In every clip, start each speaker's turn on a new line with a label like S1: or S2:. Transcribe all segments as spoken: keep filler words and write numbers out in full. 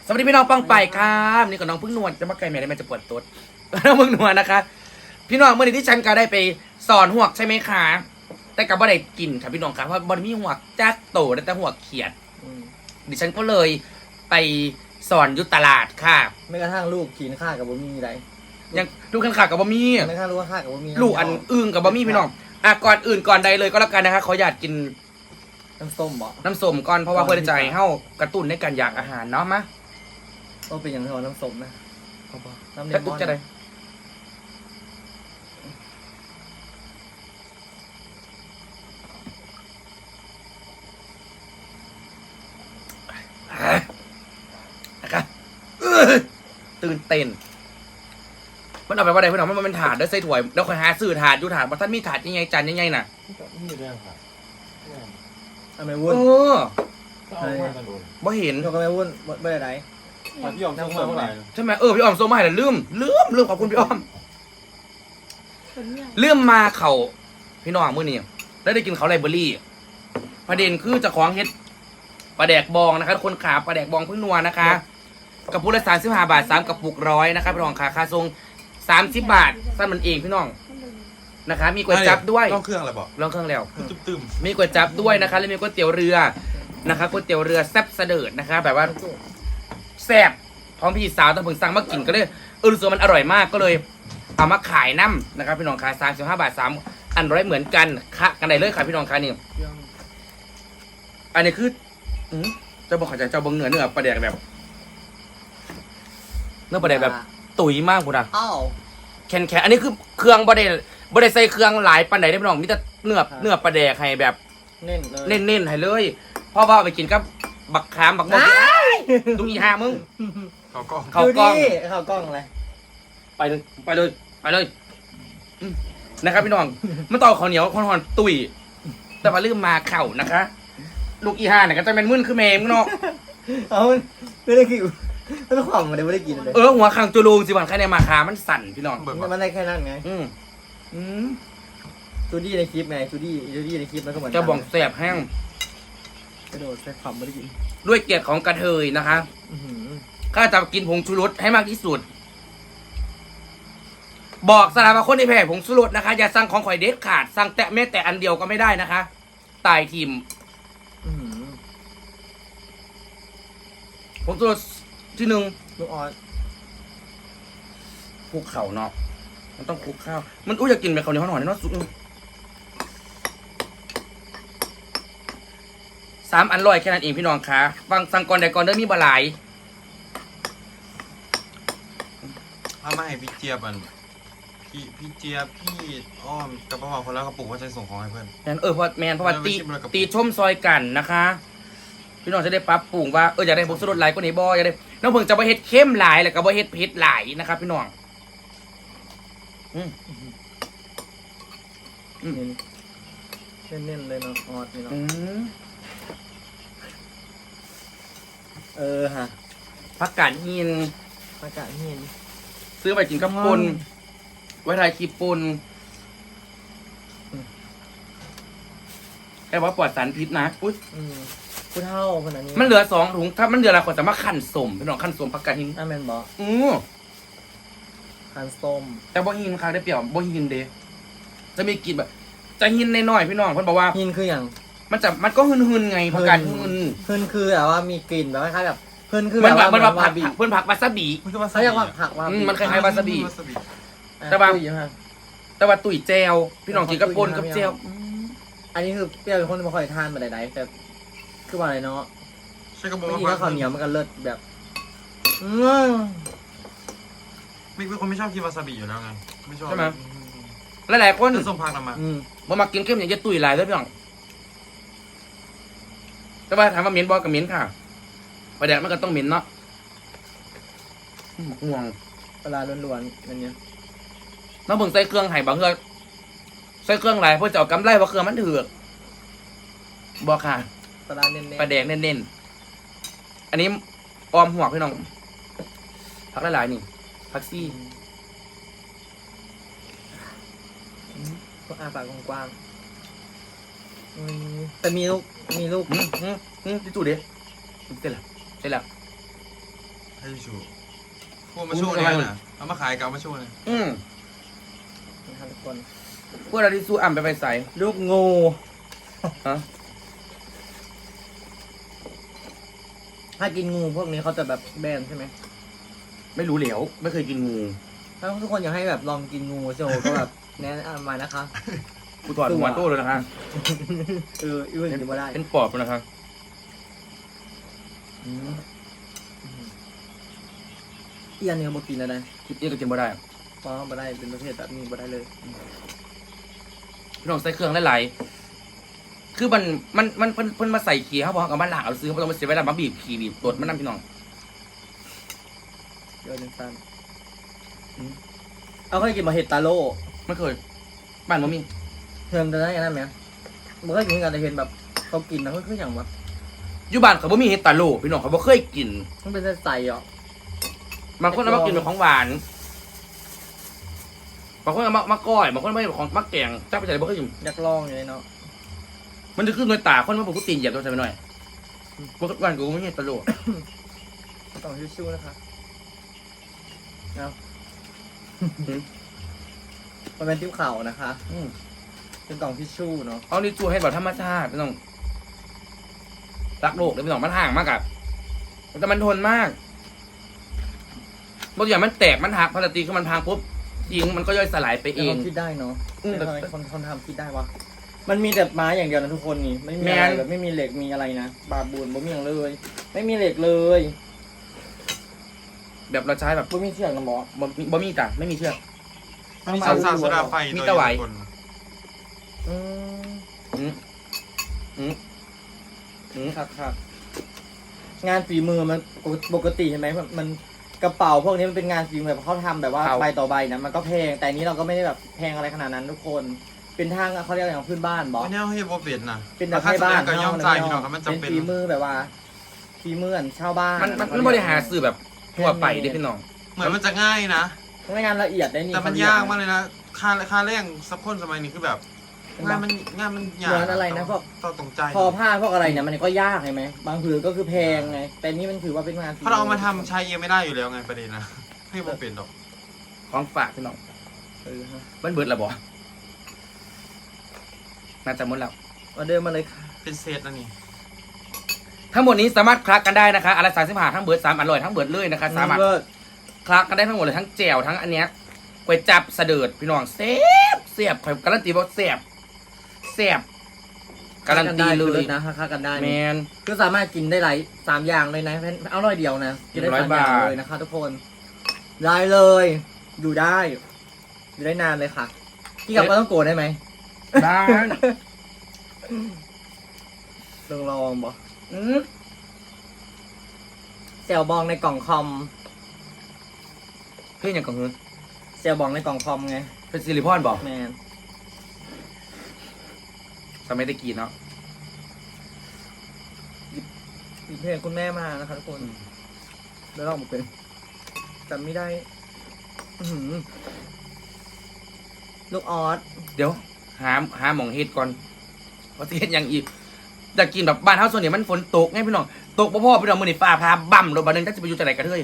S1: สวัสดีพี่น้องปังไปครับนี่กับน้องพึ่งนวลจะมาไกลแม่ได้แม่จะปวดตุ๊ดน้องพึ่งนวลนะคะพี่น้องเมื่อนี้ที่ฉันก็ได้ไปสอนหวกใช่ไหมคะแต่กับบ่ได้กินค่ะพี่น้องครับเพราะบ่มีหวกจักโตแต่หวกเขียดดิฉันก็เลยไปสอนยุตลาดค่ะ
S2: ไม่กระทั่งลูกขีนข้ากับบ่มีไร
S1: ยังลูกขันขากับบะมี่
S2: ไม่กระทั่งลูกข้ากับบ่มี
S1: ลูกอันอึ้งกับบะมี่พี่น้องอ่ะก่อนอื่นก่อนใดเลยก็แล้วกันนะคะขออยากกิน
S2: น้ำส้มบ่
S1: น้ำส้มก่อนเพราะว่าเพื่อใจเฮ้ากระตุ้นในการอยากอาหารเนาะมะ
S2: ก็เป็นอย่างที่ว่าน้ำส้มนะ
S1: น้ำเลมอนจะได้นะครับตื่นเต้นมันเอาไปว่าใดเพื่อนเอามันเป็นถาดได้ใส่ถ้วยแล้วคอยหาซื้อถาดอยู่ถาดว่าท่านมีถาดยังไงจานยังไงน่ะ
S3: นี่เรื่องค่ะ
S2: ทำไมวุ่น
S1: เออบ่เห็น
S2: ทำไมวุ่นไม่ได้ไร
S3: พี่ยอมส่งมาเท่าไหร่
S1: ใช่ไหมเออพี่อ้อมส่งมาให้แล้วลืมลืมลืมขอบคุณพี่อ้อมลืมมาเขาพี่น้องมื้อนี้แล้วได้กินเขาไลเบอรี่ประเด็นคือจะของเฮ็ดปลาแดกบองนะคะคนขาปลาแดกบองพึ่งนัวนะคะกระปุกละสามสิบห้าบาทสามกระปุกร้อยนะคะพี่น้องขาค่าทรงสามสิบบาทสั้นมันเองพี่น้องนะคะมีก๋วยจั๊บด้วย
S3: ต้องเครื่องอะไรบอก
S1: ลองเครื่องแล้ว
S3: ตึม
S1: มีก๋วยจั๊บด้วยนะคะแล้วมีก๋วยเตี๋ยวเรือนะคะก๋วยเตี๋ยวเรือแซ่บเสดิร์ดนะคะแบบว่าแซ่บพร้อมพี่สาวตอนผมสั่งมากินก็เลยเออรู้สึกมันอร่อยมากก็เลยเอามาขายน้ำนะครับพี่น้องขายสามสิบห้าบาทสามอันร้อยเหมือนกันค่ะกันไหนเลยค่ะพี่น้องค่ะนี่อันนี้คือจะบอกขอจะเจ้าเบิ้งเนื้อเนื้อปลาแดกแบบเนื้อปลาแดกแบบตุ๋ยมากคุณอ่ะแข็งแข็งอันนี้คือเครื่องบดได้บดได้ใส่เครื่องหลายปันไหนได้พี่น้องมีแต่เนื้อเนื้อปลาแดกให้แบบ
S2: เน้นเลย
S1: เน้นๆให้เลยพ่อพ่อไปกินกับบักขามบักมะม่วงตุ้งอีห้ามึง
S3: เขากล้อง
S2: เขากล้องเขากล้องอะไร
S1: ไปเลยไปเลยไปเลยนะครับพี่น้องมันต่อข้าวเหนียวข้าวหอนตุ๋ยแต่มาลืมมาเข่านะคะลูกอีห้าเนี่ยก็จะเป็นมึนคือเมมเนาะ
S2: เอาไม่ได้กินไม่ได้ความมันไม่ได้กินเลย
S1: เออหัวขังจูรูสิวันแค่ในมาคามันสั่นพี่น้อง
S2: มันได้แค่นั้นไง
S1: อืมอืม
S2: จูดี้ในคลิปไงจูดี้จูดี้ในคลิปแล้วก็เหมือน
S1: จะบ่องแสบแห้ง
S2: กระโดดใส่ความไม่ได้กิน
S1: ด้วยเกียรติของกระเทยนะคะข้าจะกินผงชูรสให้มากที่สุดบอกสารพัดคนในแพร่ผงชูรสนะคะอย่าสั่งของข่อยเด็ดขาดสั่งแต่แม้แต่อันเดียวก็ไม่ได้นะคะตายทีมผงชูรสที่หนึ่ง
S2: ลูกออส
S1: คลุกเข่าเนาะมันต้องคลุกข้าวมันอุ้ยอยากกินแบบข้าวเหนียวหน่อยเนาะสุดสามอันลอยแค่นั้นเองพี่น้องคะฟังสั่งก่อนแต่ก่อนเด้อมีบะหลาย
S3: ถ้าไม่ให้พี่เจี๊ยบมันพี่พี่เจี๊ยบพี่อ้อมกับป้าคนแล้วกระปุกว่าจะส่งของให้เพื่อน
S1: แมนเออเพราะแมนเพราะว่าตีตีชมซอยกันนะคะพี่น้องจะได้ปรับปรุงว่าเอออยากได้ผงชูรสหลายกว่านี้บ่อยากได้น้องเพิ่งจะไปเฮ็ดเข้มหลายแล้วก็บ่เฮ็ดเผ็ดหลายนะครับพี่น้องอืม
S2: อืมเน้นๆเลยเนาะออสนี่เนาะเออฮะ
S1: ผักกาดหิน
S2: ผักกาดหิน
S1: ซื้อไปกินกับปนไว้ทายคีปนแค่ว่าปลอดสารพิษนะอุ้ย
S2: ผู้เท่าคนนั้น
S1: มันเหลือสองถุงถ้ามันเหลือละคนจะมาขั้นสมพี่น้องขั้นสมผักกาดหิน
S2: อ่ะแมนบอก
S1: อือ
S2: ขั้นส้ม
S1: แต่บ่หินค่ะได้เปรียบบ่หินเดจะมีกลิ่นแบบจะหินน้อยๆพี่น้องเพิ่นบอกว่า
S2: หินคืออย่าง
S1: มันจะมันก็หืนๆไงผักกาดหืน
S2: หืนคือแบบว่ามีกลิ่นแบบคล้ายๆแบบเพื่อนคือ
S1: แบบมันแบบผักเพื่อนผักวาซาบิ
S2: เขาเรียกว่าผักวา
S1: มันคล้ายๆวาซาบิแต่ว่าแต่ว่าตุ๋ยแจวพี่น้องกินกับปนกับแจว
S2: อันนี้คือเปรี้ยวเป็นคนไม่ค่อยทานมาใดๆแต่คือว่าอะไรเนาะ
S3: ใช่กระบอก
S2: ไม่ดีถ้าข้าวเหนียวมันก็เลิศแบบ
S3: ไม่เป็นคนไม่ชอบกินวาซาบิอยู่แล้วไงไม่ชอบ
S1: ใช่ไหมหลายๆคน
S3: ส้มผักนำมา
S1: บ่มากินเข้มอย่างจะตุ๋ยหลายเลยพี่น้องแต่ว่าถามว่าเหม็นบ่กับเหม็นค่ะปลาแดกมันก็ต้องเหม็นเนาะห่วง
S2: ปลาล้วนๆนั่นเนี่ย
S1: น้องเบิ่งใส่เครื่องไห่บางเฮือใส่เครื่องหลายเพื่อจะเอากำไรว่าเครื่องมันถือบอกค่ะ
S2: ปลาเน้น
S1: ปลาแดกเน้นๆอันนี้ออมหัวพี่น้องผักหลายๆนี่ผักซี่
S2: ก็อาปากกว้างๆแต่มีลูกมีลูก
S1: ที่ตู้เด็ดเสร็จแล้วเสร็จแล้ว
S3: ให้ชูพวกมาโชว์เนี่ยนะเอามาขายกับเอามาโชว์เลย
S1: อืม
S2: นะครับทุกคน
S1: พวกเราที่สู้อ่ำไปไปใส่
S2: ลูกงู
S1: ฮะ
S2: ถ้ากินงูพวกนี้เขาจะแบบแบนใช่ไหม
S1: ไม่รู้เหลวไม่เคยกินงู
S2: ถ้าทุกคนอยากให้แบบลองกินงูโชว์ก็แบบแนะนำมานะคะ
S1: กูถอดหัวโต้เลยนะคะ
S2: เอออีเวนต์กินมาได้
S1: เป็นปอบเลยนะคะอืม
S2: อีอันนี้มากินอะไร
S1: คลิปนี้ก็กินบ่ได้
S2: เพราะมาได้เป็นประเภทแบบนี้มาได้เลย
S1: พี่น้องใส่เครื่องหลายๆคือมันมันมันเพิ่นเพิ่นมาใส่ขี้เขาบอกกับมันหลากเอาซื้อเขาต้องมาเสียเวลามาบีบขี้บีบตดมันนั่นพี่น้อง
S2: เดี๋ยวหนึ่งตันเอาเคยกินมาเห็ดตาโล่
S1: ไม่เคยบ้านบ่มี
S2: เพิ่มจะได้ยังไงไหมมันก็กินกันแต่เห็นแบบเขากินนะมันคืออย่างแบบ
S1: อยู่บ้านเขาบ่มีเห็ดตาโลพี่น้องเขาบ่เคยกิน
S2: มันเป็นใสๆอ่ะ
S1: บางคนเอามากินเป็นของหวานบางคนเอามามาก้อยบางคนไม่เป็นของมักแกงจ้าไปใส่บ่เคยกิน
S2: อยากลองอยู่เลยเนาะ
S1: มันจะขึ้นด้วยตาคนมาบอกกูตีนเหยียบตัวใส่ไปหน่อยบางวันกูไม่เห็ดตาโล
S2: ต้องชิวๆนะคะเอามันเป็นติ้วเข่านะคะ
S1: อืม
S2: เป็นกล่องทิชชู่เนาะ
S1: เอานี่จูให้แบบธรรมชาติพี่น้องรักโลกเลยพี่น้องมันห่างมากอะแต่มันทนมากบางอย่างมันแตกมันหักพลาสติกคือมันพังปุ๊บยิงมันก็ย่อยสลายไป
S2: แต่
S1: เอง
S2: เขาคิดได้เนาะ
S1: อืม
S2: แต่ทำไมคนคนทำคิดได้วะมันมีแต่ไม้อย่างเดียวนะทุกคนนี่ไม่มี
S1: แม
S2: อะไร
S1: น
S2: แบบไม่มีเหล็กมีอะไรนะบาบูนบ่มีอย่างเลย ไม่มีเหล็กเลย
S1: แบบเราใช้แบบ
S2: บ่มีเชือกนะหมอ
S1: บ่มีบ่มีจ้ะไม่มีเชือก
S3: มีสารสารโซดาไฟ
S1: มี
S3: ตัว
S1: ตะไว
S3: เดียวคน
S2: อืม
S1: อืมอืมอืม
S2: ครับครับงานฝีมือมันปกติใช่ไหมมันมันกระเป๋าพวกนี้มันเป็นงานฝีมือแบบเขาทำแบบว่าใบต่อใบนะมันก็แพงแต่อันนี้เราก็ไม่ได้แบบแพงอะไรขนาดนั้นทุกคน เป็นทางเขาเรียกอย่างพื้นบ้านบอ
S3: วันนี้ให้โบเป็นนะ
S2: เป็นแบบ
S3: ค่า
S2: ให้
S3: แสด
S2: บ้าน
S3: งก็ย่อมใจพี่น้องครับมัน
S2: เป็น
S3: จำเป็น
S2: ฝีมือแบบว่าฝีมืออันชาวบ้าน
S1: มันมันมันบริหารสื่อแบบทั่วไปเด้พี่น้อง
S3: เหมือนมันจะง่ายนะ
S2: ไม่งานละเอียดได้นี่
S3: แต่มันยากมากเลยนะ ค่าค่าแรงสักคนสมัยนี้คือแบบงานมันงานมันยาก
S2: เหมือนอะไรนะพวก
S3: ต้องตรงใจ
S2: พอผ้าพวกอะไรเนี่ยมันก็ยากใช่ไหมบางผืนก็คือแพงไงแต่นี่มันถือว่าเป็นงานฝี
S3: เพราะเราเอามาทำใช้เองไม่ได้อยู่แล้วไงประเด็นนะให้โบเป็นดอก
S1: ของฝากพี่น้อง
S2: เออฮะ
S1: มันเบิดและบ่น่าจะหมดแล้ว
S2: มาเดินมาเลยค่ะ
S3: เป็นเซตนะนี่
S1: ทั้งหมดนี้สามารถคลักกันได้นะคะอะไรสามสิบห้าทั้งเบิร์ดสามอร่อยทั้งเบิร์ดเลยนะคะสามารถ
S2: เลิศ
S1: คลักกันได้ทั้งหมดเลยทั้งแจ่วทั้งอันเนี้ยก๋วยจับเสดิร์ดพี่น้องเสียบเสียบข่อยการันตีว่าเสียบเสียบการันตีเลย
S2: นะค่ากันได้
S1: แม
S2: นี่
S1: น
S2: ก็สามารถกินได้หลายสามอย่างเลยนะเอาร้อยเดียวนะกินได้
S1: หนึ่งร้อย
S2: สามอย่าง
S1: บาท
S2: เลยนะคะทุกคนได้เลยอยู่ได้อยู่ได้นานเลยค่ะพี่กับก็ต้องโกรธได้ไหม
S1: ได้
S2: ลองลองบอก
S1: อืม
S2: เซลบองในกล่องคอม
S1: เพื่อนอย่างกับเงิน
S2: เซลบองในกล่องคอมไง
S1: เป็นซิลิพอนบอก
S2: แมน
S1: สมัยตะกี้เนาะ
S2: มีเพลงคุณแม่มานะคะทุกคนแล้วลองมาเป็นจำไม่ได้อื้อหือลูกออส
S1: เดี๋ยวหาหาหมองเฮ็ดก่อนว่าสิเฮ็ดหยังอีกอยากกินแบบบ้านเฮาส่วนใหญ่มันฝนตกไงพี่น้องตกบ่พอพี่น้องมื้อนี้ฟ้าพาบั่มรถบัดนึงจักสิไปอยู่จังไดกันเฮ้ย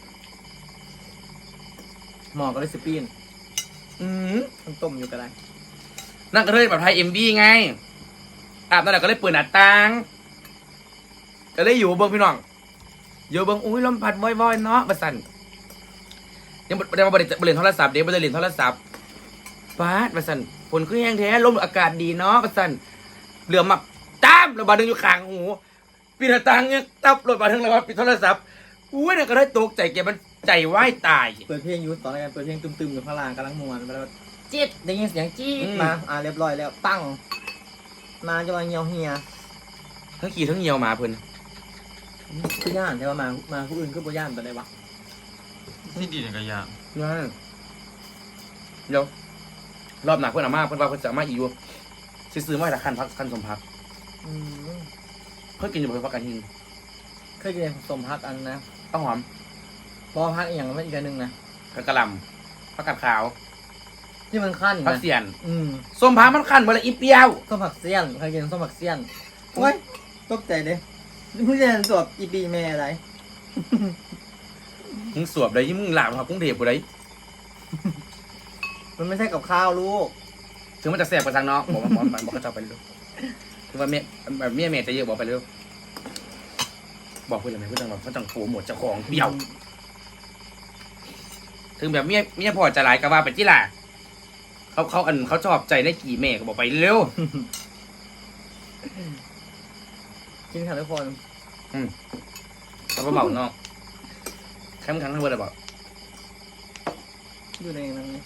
S2: หมอก็เลยสปีน
S1: อืม
S2: มันต้มอยู่ก็ได้
S1: นั่นก็เลยแบบไทย เอ็ม บี ไงอาบนั่นแหละก็เลยเปิดหน้าต่าง ก็เลยอยู่เบิ่งพี่น้องอยู่เบิ่งอุ้ยลมพัดว่อยๆเนาะบัดสั่นยังบ่ได้มาบ่ได้บ่เล่นโทรศัพท์เด้บ่ได้เล่นโทรศัพท์ฟาดบัดสั่นฝนคือแห้งแท้ลมอากาศดีเนาะบัดสั่นเหลือมาตามแล้วบัดนึงอยู่ข้างหูปิดหน้าต่างเนี่ยตับรถบัดนึงแล้วว่าปิดโทรศัพท์อุ้ยนั่นก็เลยตกใจแกมันใจวายตาย
S2: เปิดเพลงอยูตอนแรกเปิดเพลงตึมๆอยู่ข้างล่างกำลังมวนไปแล้วจี๊ดได้ยินเสียงจี๊ดมาอ่าเรียบร้อยแล้วตั้งมาจะมาเงียวเฮีย
S1: ทั้งขี่ทั้งเหี่ยวหมาเพิ่น
S2: คือย่านใช่ป่ะมามาผู้อื่นก็บ่ย่านไปเลยวะ
S3: ที่ดีเนี่ยก็ยาก
S1: นั่นเดี๋ยวรอบหนักเพิ่นเอามาเพิ่นว่าเพิ่นจะเอามาอีกอยู่สิซื้อมาให้ละคันพักคันสมพัก
S2: อืม
S1: เพิ่นกินอยู่เพิ่นพักกันหิน
S2: เคยกินสมพักอันนะ
S1: ข้าวหอม
S2: บอพักอีกอย่างไม่อีกอันหนึ่งนะ
S1: กระกะหล่ำผักกาดขาว
S2: ที่มันขั้น
S1: ผัก
S2: นะ
S1: เสียน
S2: อืม
S1: ส้มพักมันคันบ่ละอีเปรี้ยว
S2: ส้มผักเสี้ยนเคยกินส้มผักเสี้ยนโอ้ยตกใจเลยผู้ชายสวบอีปีแม่อะไร
S1: มึงสวบเลยยิ่งมึงหลาบครับกรุงเทพกูเลย
S2: มันไม่ใช่กับข้าวลูก
S1: ถึงมันจะแสบกว่าทางเนาะบอกว่าบอกบอกบอกเขาจะไปเร็วถึงว่าเมียแบบเมียเมียจะเยอะบอกไปเร็วบอกเพื่อนอะไรเพื่อนบอกเพื่อนจังโผล่หมดเจ้าของเดี่ยว ถึงแบบเมียเมียพอจะหลายก็ว่าไปที่ล่ะเขาเขาอันเขาชอบใจในกี่แม่ก็บอกไปเร็ว
S2: กินค่ะทุกคน
S1: เขาก็เบาเนาะแค่มึงครั้งทั้งเบอร์เลยบอก
S2: อยู่ในนั้นนี่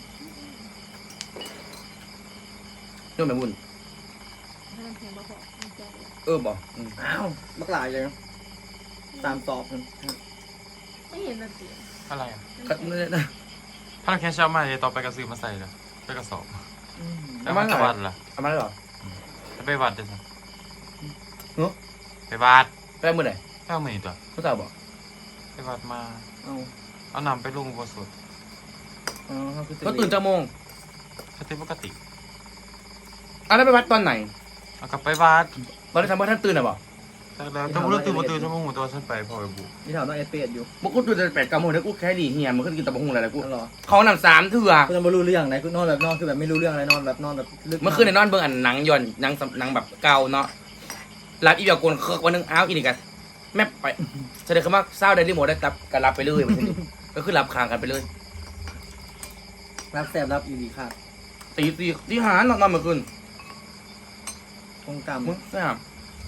S1: เรื่องแบบบุญ
S4: ถ้ามันแพงบ่พอมันใจเลย
S1: เออบอกอืม
S2: อ้าวบักหลายเลยตามสอบมัน
S4: ไม่เห็นมันเสีย
S3: อะไรอ่ะ
S1: ก็นั่นแหละนะ
S3: ถ้าเราแค่เช้ามาจะต่อไปกระสือมาใส่เลยไปกระสอบ
S2: อืม
S3: แล้วมันจะวัดล่ะ
S1: เอามาแล้วเหรอ
S3: แล้วไปวัดจะสั่
S1: เนอะ
S3: ไปวัด
S1: ไปเมื่อไหร่
S3: แค่มือตัว
S1: เขาจะบอก
S3: ไปวัดมา
S2: เอา
S3: เอานำไปลงอุโบสถ
S2: เอาเขาคือ
S1: เขาตื่นเจ้าโมง
S3: สติปกติ
S1: เอาแล้วไปวัดตอนไหน
S3: เอากลับไปวัด
S1: ตอนที่ทำว่าท่านตื่นอ่ะบอก
S3: แต่แล้วต้องรู้ตื่นมาตื่นชั่วโมงตัวฉันไปพอไปบุก
S2: มีถามต้องเอสเปดอยู่
S1: มึงกูตื่นแต่แปดเก้าโมงแล้วกูแค่ดีเฮียมึงก็กินตับกหุ่งอะไรกู
S2: นั่นหรอ
S1: เขานำสามเถื่อ
S2: คุณไม่รู้เรื่องไหนคุณนอนแบบนอนคือแบบไม่รู้เรื่องอะไรนอนแบบนอนแบบลึก
S1: เมื่อคืนในนอนเบิ่งอันหนังย่อนหนังสำหนังแบบเก่าเนาะรับอีเดียวโกนเครือกวันหนึงอ้าวอีนี่กันแม่ไปแสดงคำว่าเศร้าได้รีโมทได้ตับกันรับไปเลยมันสิก็คือรับคางกันไปเลย
S2: รับแสบรับอีดีค่ะ
S1: ตีตีที่หานอนนอนเมื่อคืน
S2: คงกรรม
S1: มึงทราบ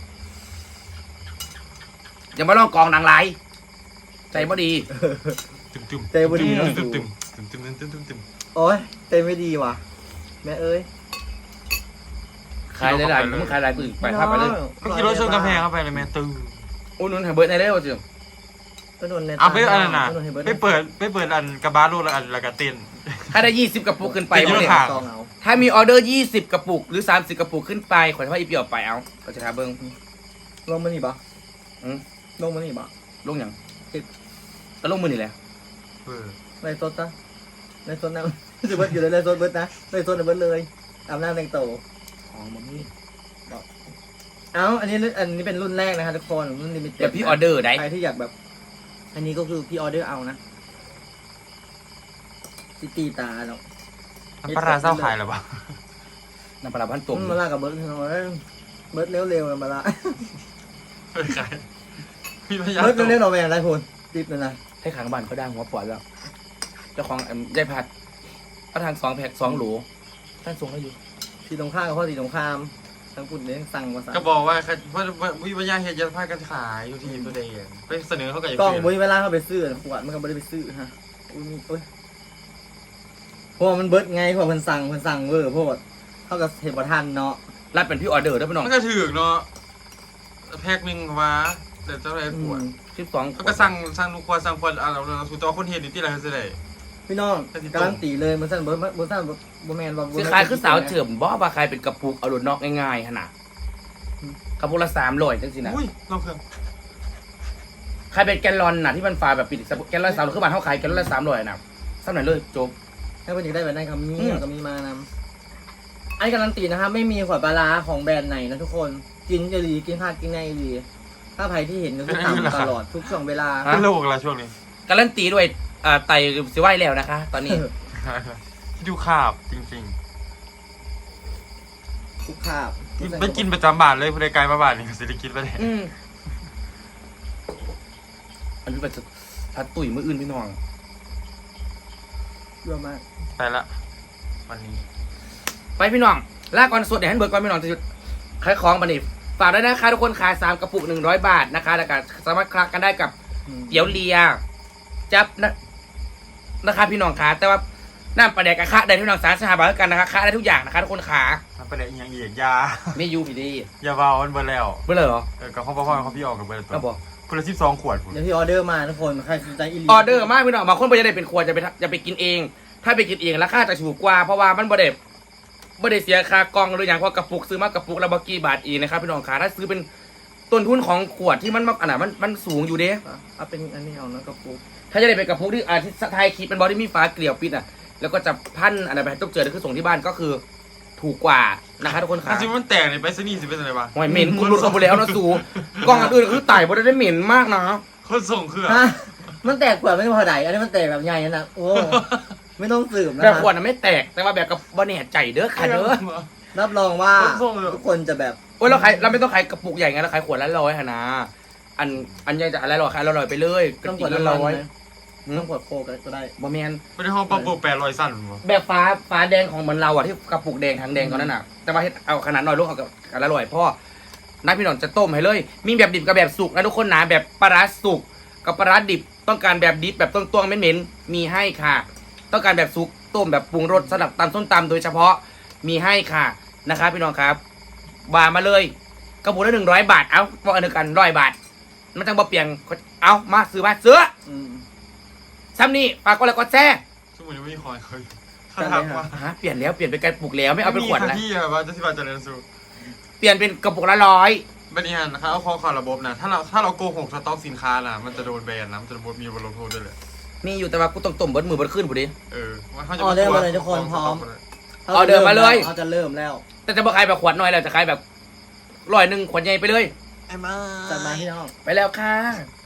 S1: อย่ามาลองกองหนังไรใจบ่ดี
S3: ตึมตึม
S2: ใจบดีเนาะ
S3: ตึมตึมตึมตึมตึมตึมตึมตึม
S2: โอ้ยใจไม่ดีว่ะแม่เอ้ย
S1: ขายหลายๆมึงขายหลายปืนไปภาพไปเลย
S3: ก็ขี่รถชนกำแพงเข้าไปเลยแม่ตึง
S1: โอ้นุ่นหาเบิร์ดในเร็วจิ๋ว
S2: ก็โดนใน
S3: เอาไปอันนั้นน่ะ
S2: ก็โดให้บิร์ด
S3: ไปเปิดไปเปิดอันกระบะลูกแล้วอันแล้วก็เต้น
S1: ถ้าได้ยี่สิบกระปุกขึ้นไป
S3: เป็น
S1: วะ
S3: เย
S1: เนี่ย
S3: อะค่ะ
S2: ซองเอา
S1: ถ้ามีออเดอร์ยี่สิบกระปุกหรือสามสิบกระปุกขึ้นไปขอให้พ่ออีเปียวไปเอาก็จะทาเบิ้ง
S2: ลงมานี่ปะ
S1: อืม
S2: ลงมานี่ปะ
S1: ลงอย่าง
S2: สิบ
S1: ก็ลงมือนี่แหละ
S3: เออ
S2: ไรสดนะไรสดนะ จะเบิร์ดอยู่เลยไรสดเบิร์ดนะไรสดเบิร์ดเลยอาบน้ำแต่งตัว
S1: อ๋อมันนี่
S2: เอ้าอันนี้อันนี้เป็นรุ่นแรกนะคะทุกคนรุ่นลิมิเต็ด
S1: แบบพี่ออเดอร์ได้
S2: ใครที่อยากแบบ อันนี้ก็คือพี่ออเดอร์เอานะตีตีตาเนาะ
S3: มันปลาร้าเศร้าขายหรอปะ
S1: น้ำปลาพันตุ่ม
S2: มันมาลากับเบิร์ดเนาะเบิร์ดเร็วๆนะมาละ
S3: เฮ้ยขายมีพยาน
S2: เบิร์ดเร็วๆหน่อยแม่ไรคุณติดเลยนะ
S1: ให้ขางบ้านเขาได้หัวปวดแล้ว เจ้าของเอิ่มยายพัดเอาทางสองแพ็คสองโหลท่านส่งให้อยู่
S2: ทีตรงข้ามกับพ่อทีตรงข้ามทั้งปุ่นเนี่ยสั่งมาสั่ง
S3: ก็บอกว่าว่าว่าวิวัยาเฮ็ดยัดผ้ากันขายอยู่ที่ตัวเองไปเสนอเขากับ
S2: กล้องบุ้ยเวลาเขาไปซื้อขวดมันก็ไม่ได้ไปซื้อฮะอุ้ยมีอุ้ยเพราะว่ามันเบิร์ดไงเพราะมันสั่งมันสั่งเวอร์เพราะว่าเขากับเทปทันเนาะ
S1: รับเป็นพี่ออเดอร์ได้พี่น้อง
S3: มันก็ถือเนาะแพ็คหนึ่งว่าเดี๋ยวเจ้าไรปวด
S1: สิบสอง
S3: เขาก็สั่งสั่งลูกควาสั่งควาอ่ะเราเราสูตรคนเห็นอยู่ที่ไรเขาจะได้
S2: พี่น้องการันตีเลยมันสั่นเบิร์ดเบิร์ดสั่นบแมนว่า
S1: สิขายคือสาวเฉิมบ่ว่าใครเป็นกระปุกเอาหลุดนอกง่ายๆขนาดกระปุกละสามร้อยจังสินะ
S3: อุ้ยเราเครื่อง
S1: ใครเป็นแกลลอนน่ะที่มันฝาแบบปิดแกลลอนสามร้อยคือบ้านเขาขายแกลลอนละสามร้อยนะสักหน่อยเลยจบ
S2: ถ้าเป็นอยากได้แบบนั้นคำนี้
S1: อืม
S2: ก็มีมานำไอ้การันตีนะครับไม่มีขวดปลาร้าของแบรนด์ไหนนะทุกคนกินจะดีกินข้าวกินในดีถ้าใครที่เห็นก็คือทำตลอดทุกช่วงเวลา
S3: เป็นโรคอะไรช่วงนี้
S1: การันตีด้วยอ่าไตสิไหวแล้วนะคะ ตอนนี้
S3: ดูขาบจริง
S2: ทุกคาบ
S3: ๆไม่กินประจำบาทเลยผู้ใดไกลมาบาทนี่สิได้กินไปเลย
S1: อืมอันนี้เป็นพัดตุ๋ยมืออื่นพี่น้อง
S2: เยอะมาก
S3: ไปละวันนี้
S1: ไปพี่น้องลากก่อนสดเดี๋ยวให้เบิร์ก่อนพี่น้องจะหยุดขายของบันนี้ฝากด้วยนะคะทุกคนขายสามกระปุกหนึ่งร้อยบาทนะคะแล้วก็สามารถคลักกันได้กับเตี๋ยวเลียจับนะนะคะพี่น้องขาแต่ว่าน้ำปลาแดกกระคะได้พี่น้องสารสหบาทกันนะคะคะได้ทุกอย่างนะคะทุกคนขา
S3: มันไปไหนอีกอย่างอีกยา
S1: ไม่ยูพี่ดี
S3: ยาเบามันเบอร์แล้ว
S1: เบื่อเลยเหรอ
S3: เออกับข้าวพ่อของพี่ออกกับเบอร์ตั
S1: ก็
S3: ว
S1: บอก
S3: คนละสิบสองขวดผม
S2: เดี๋ยวพี่ออเดอร์มาทุกคนใครสนใจอีลี
S1: ออเดอร์มากพี่น้องบางคนไปจะได้เป็นครัวจะไปทำจะไปกินเอง ถ้าไปกินเองราคาจะถูกกว่าเพราะว่ามันบ่ได้บ่ได้เสียค่ากล่องหรืออย่างเพราะกระปุกซื้อมากระปุกละบกี่บาทเองนะครับพี่น้องขาถ้าซื้อเป็นต้นทุนของขวดที่มันมากอันน่ะมันมันสูงอยู่เด้
S2: เอาเป็นอันนี้เอานะกระปุก
S1: ถ้าจะได้เป็นกระปุกที่อาที่ไทยคิดเป็นบอดี้มีฝาเกลียวปิดอ่ะแล้วก็จะพันอะไรไปให้ตุ๊กเจอแล้วคือส่งที่บ้านก็คือ ถูกกว่านะคะทุกคนขา
S3: ถ้าซิมันแตกเนี่ยไปสนีสิเป็นอะไรบ้าง
S1: หอยเหม็นคุณหลุดเข้าไปแล้วนะสูกล้องอันอื่นคือไต่บ่ได้เหม็นมากนะ
S3: คนส่งคือ
S2: ฮะมันแตกขวดไม่พอใดอันนี้มันแตกแบบใหญ่นะโอ้ไม่ต้องสืบนะ
S1: แบบ
S2: คะ
S1: ขวดน่ะไม่แตกแต่ว่าแบบกับบ่เนี่ยใจเด้อค่ะเด้อ
S2: รับรองว่า
S3: ส่งเลย
S2: ทุกคนจะแบบ
S1: โอ้ยเราขายเราไม่ต้องขายกระปุกใหญ่ไงเราขายขวดละร้อยค่ะนะอันอันใหญ่จะอะไรหรอขายละร้อยไปเลยกระ
S2: ต้อง
S1: ปุ
S2: ก
S1: ก
S2: ด
S1: ละ
S2: น้ำ
S1: ร้
S2: มั
S1: อน ย
S2: นะต้องกดโคกก็ได้
S1: บ่แมน
S3: ไม่ได้ห้องปั๊มโปรแปดร้อยสั้นวะ
S1: แบบฟ้าฟ้าแดงของเหมือนเราอะที่กระปุกแดงทางแดงตอนนั้นอะแต่ว่าเฮ็ดเอาขนาดน้อยลงเอากับกันละร้อยพ่อนักพี่น้องจะต้มให้เลย มีแบบดิบกับแบบสุกนะทุกคนนะแบบปลาร้าสุกกับปลาร้าดิบต้องการแบบดิบแบบต้วงๆเหม็นๆมีให้ค่ะ ต้องการแบบสุกต้มแบบปรุงรสสำหรับตำส้มตำโดยเฉพาะมีให้ค่ะนะครับพี่น้องครับวางมาเลยกระปุกละหนึ่งร้อยบาทเอาบอกอันเดียวกันร้อยบาทมันจังบ่เปลี่ยนเอามาซื้อมาซื้อ
S2: อืม
S1: ซ้ำนี่ฝากก็แล้วก็แซ่
S3: ชั่วโมงนี้ไม่มีคอยเคย
S2: จั
S3: ถ้า
S2: ดเลย
S3: ถามว่า
S1: ฮะเปลี่ยนแล้วเปลี่ยนเป็นกระปุกแล้วไม่เอาไปขวด
S3: แล้
S1: แล้ว
S3: พี่อะว่าจะที่ว่าจะเรียนสู
S1: เปลี่ยนเป็นกระปุกละร้อย
S3: บันนี้ฮันนะครับเอาข้อความระบบนะถ้าเราถ้าเราโกหกสต็อกสินค้านะมันจะโดนแบนนะมันจะมีบทลงโทษด้วยเลย
S1: มีอยู่แต่ว่ากูต้องต้มเบิดมือเบิดขึ้นพอดี
S3: เออว่าเขาจะ
S2: ออเดอร์มาเลยทุกคนพร้อม
S1: ออเดอร์มาเลย
S2: เขาจะเริ่มแล้ว
S1: แต่จะบ่ขายแบบขวดน้อยแล้วจะขายแบบร้อยหนึ่งขวดใหญ่ไปเลย
S3: ไอ้มา
S2: จัดมาพี่น้อง
S1: ไปแล้วค่ะ
S3: บ